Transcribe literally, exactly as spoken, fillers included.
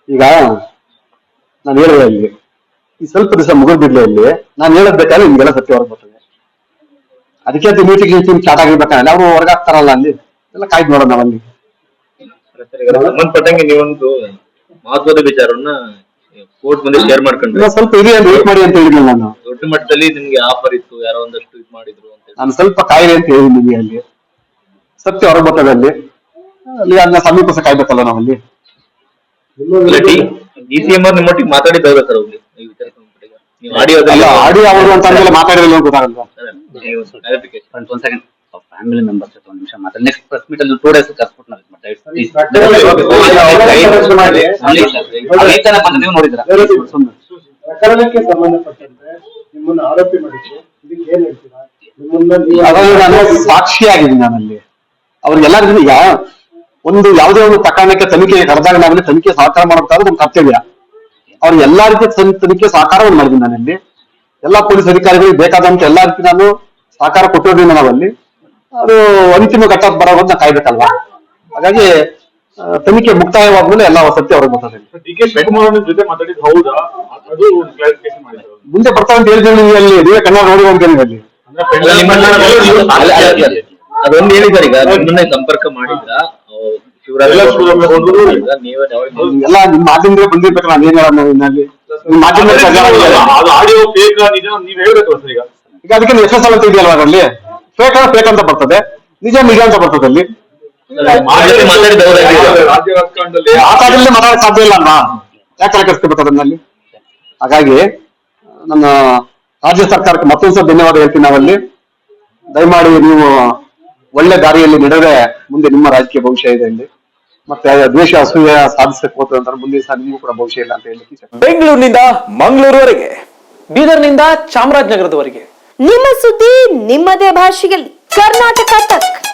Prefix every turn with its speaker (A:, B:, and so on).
A: ಈಗ ನಾನು ಹೇಳಿದೆ ಅಲ್ಲಿ ಈ ಸ್ವಲ್ಪ ದಿವಸ ಮುಗಿದ್ಬಿಡ್ಲಿ ಅಲ್ಲಿ ನಾನು ಹೇಳದ್ ಬೇಕಾದ್ರೆ ನಿಮ್ಗೆಲ್ಲ ಸತ್ಯ ಹೊರಗೆ ಬರ್ತದೆ. ಅದಕ್ಕೆ ಅದು ಮೀಟಿಂಗ್ ಮೀಟಿಂಗ್ ಸ್ಟಾರ್ಟ್ ಆಗಿರ್ಬೇಕಂದ್ರೆ ಅವ್ರು ಹೊರಗಾಗ್ತಾರಲ್ಲ ಅಲ್ಲಿ ಎಲ್ಲ ಕಾಯ್ದು ನೋಡೋಣ ನಾವಲ್ಲಿ.
B: ಸಂಬಂಧಪಟ್ಟಂಗೆ ನೀವೊಂದು ಮಹತ್ವದ ವಿಚಾರವನ್ನ ಕೋರ್ಟ್ ಮುಂದೆ ಶೇರ್ ಮಾಡ್ಕೊಂಡ್ರೆ
A: ಸ್ವಲ್ಪ ಇದೆ ಅಂತ ವೇಟ್ ಮಾಡಿ ಅಂತ ಹೇಳಿದ್ದೆ ನಾನು.
B: ದೊಡ್ಡ ಮಟ್ಟದಲ್ಲಿ ನಿಮ್ಗೆ ಆಫರ್ ಇತ್ತು, ಯಾರೋ ಒಂದಷ್ಟು ಇದು ಮಾಡಿದ್ರು ಅಂತ
A: ನಾನು ಸ್ವಲ್ಪ ಕಾಯಿಲೆ ಅಂತ ಹೇಳಿದ್ದೀನಿ ಅಲ್ಲಿ ಸತ್ಯ ಹೊರಗೆ ಬರ್ತದೆ ಅಲ್ಲಿ ಅಲ್ಲಿ ಅದನ್ನ ಸಮೀಪ ಸಹ ಕಾಯ್ಬೇಕಲ್ಲ ನಾವಲ್ಲಿ.
B: ಡಿ ಸಿ ಎಂ ಅವ್ರು ನಿಮ್ಮೊಟ್ಟಿಗೆ ಮಾತಾಡಿದ್ದವ್ರ ಸರ್ ಹೋಗ್ಲಿ ನೀವು
A: ಆಡಿಯೋದಲ್ಲಿ ಆಡಿಯೋ ಅವರು ಅಂತ ಅಂದ್ಮೇಲೆ ಮಾತಾಡಿದ್ರೆ ಗೊತ್ತಾಗಲ್ವಾ?
C: ಒಂದ್ ಸೆಕೆಂಡ್ ಫ್ಯಾಮಿಲಿ ಮೆಂಬರ್ಸ್ ಒಂದ್ ನಿಮಿಷ ಮಾತಾಡಿ ನೆಕ್ಸ್ಟ್ ಪ್ರೆಸ್ ಮೀಟ್ ಅಲ್ಲಿ ಟೂ ಡೇಸ್ ಕರ್ಸ್ಬಿಟ್ಟು ನೀವು ನೋಡಿದ್ರ
D: ಪ್ರಕರಣಕ್ಕೆ ಸಂಬಂಧಪಟ್ಟಂತೆ ನಿಮ್ಮನ್ನು ಆರೋಪಿ ಮಾಡಿದ್ರು, ಇದಕ್ಕೆ ಏನ್ ಹೇಳ್ತೀರಾ?
A: ನಾನು ಸಾಕ್ಷಿಯಾಗಿದ್ದೀನಿ ನಾನಲ್ಲಿ ಅವ್ರಿಗೆಲ್ಲರಿಗೂ ಈಗ ಒಂದು ಯಾವುದೇ ಒಂದು ಪ್ರಕರಣಕ್ಕೆ ತನಿಖೆ ಕರೆದಾಗ ನಾವಲ್ಲಿ ತನಿಖೆ ಸಹಕಾರ ಮಾಡಬೇಕಾದ್ರೆ ಒಂದು ಕರ್ತವ್ಯ. ಅವ್ರಿಗೆ ಎಲ್ಲಾ ರೀತಿಯ ತನಿಖೆ ಸಹಕಾರವನ್ನು ಮಾಡಿದ್ದೀನಿ ನಾನಲ್ಲಿ. ಎಲ್ಲಾ ಪೊಲೀಸ್ ಅಧಿಕಾರಿಗಳಿಗೆ ಬೇಕಾದಂತ ಎಲ್ಲಾ ರೀತಿ ನಾನು ಸಹಕಾರ ಕೊಟ್ಟಿರೋದ್ರಿಂದ ನಾವಲ್ಲಿ ಅದು ಅಂತಿಮ ಘಟ್ಟ ಬರೋದು ನಾವು ಕಾಯ್ಬೇಕಲ್ವಾ. ಹಾಗಾಗಿ ತನಿಖೆ ಮುಕ್ತಾಯವಾದ್ಮೇಲೆ ಎಲ್ಲ ಸತ್ಯ ಹೊರಗೆ ಬರ್ತದೆ.
D: ಡಿ ಕೆ ಶಿವಕುಮಾರ್ ಜೊತೆ ಮಾತಾಡಿದ್ ಹೌದಾ? ಅದು ಕ್ಲಾರಿಫಿಕೇಶನ್ ಮಾಡಿದ್ರು.
A: ಮುಂದೆ ಬರ್ತಾ ಅಂತ ಹೇಳ್ತೀವಿ ಅಲ್ಲಿ ನೀವೇ ಕನ್ನಡ ನೋಡಿ ಅಂತೀವಿ ಅಲ್ಲಿ.
B: ಅದೊಂದು ಹೇಳಿದಾರೆ ಈಗ ನಿಮ್ಮನ್ನ ಸಂಪರ್ಕ ಮಾಡಿದ್ರ
A: ಎಲ್ಲ ನಿಮ್ ಮಾಧ್ಯಮದಿಂದ ಬಂದಿರ್ಬೇಕು. ನಾನು ಏನ್ ಹೇಳೋದು ಇನ್ನಲ್ಲಿ ನಿಮ್ ಮಾಧ್ಯಮ
D: ಆಡಿಯೋ ಫೇಕ್ ನಿಜ ನೀವ್ ಹೇಳ್ಬೇಕು ಸರ್. ಈಗ
A: ಈಗ ಅದಕ್ಕೆ ಎಸ್ ಎಸ್ ಎಲ್ ಅಂತ ಇದೆಯಲ್ವಾ ಅದರಲ್ಲಿ ಫೇಕ್ ಅಂದ್ರೆ ಫೇಕ್ ಅಂತ ಬರ್ತದೆ, ನಿಜ ನಿಜ ಅಂತ ಬರ್ತದೆ ಅಲ್ಲಿ. ಆ ಕಾಲದಲ್ಲಿ ಮಾತಾಡಕ್ ಸಾಧ್ಯ ಇಲ್ಲ ಅಲ್ವಾ? ಯಾಕೆ ತಲೆ ಕೆಡಿಸ್ಕೋಬೇಕು ಅದನ್ನಲ್ಲಿ? ಹಾಗಾಗಿ ನನ್ನ ರಾಜ್ಯ ಸರ್ಕಾರಕ್ಕೆ ಮತ್ತೊಂದ್ಸಲ ಧನ್ಯವಾದ ಹೇಳ್ತೀನಿ ನಾವಲ್ಲಿ. ದಯಮಾಡಿ ನೀವು ಒಳ್ಳೆ ದಾರಿಯಲ್ಲಿ ನಡೆದ್ರೆ ಮುಂದೆ ನಿಮ್ಮ ರಾಜಕೀಯ ಭವಿಷ್ಯ ಇದೆ ಇಲ್ಲಿ. ಮತ್ತೆ ದ್ವೇಷ ಅಸೂಯೆ ಸಾಧಿಸಕ್ಕೆ ಹೋದ್ರೆ ಅಂತ ಮುಂದೆ ಸಹ ನಿಮಗೂ ಕೂಡ ಭವಿಷ್ಯ ಇಲ್ಲ ಅಂತ ಹೇಳಿ.
E: ಬೆಂಗಳೂರಿನಿಂದ ಮಂಗಳೂರುವರೆಗೆ, ಬೀದರ್ನಿಂದ ಚಾಮರಾಜನಗರದವರೆಗೆ
F: ನಿಮ್ಮ ಸುದ್ದಿ ನಿಮ್ಮದೇ ಭಾಷೆಯಲ್ಲಿ ಕರ್ನಾಟಕ ತಕ್.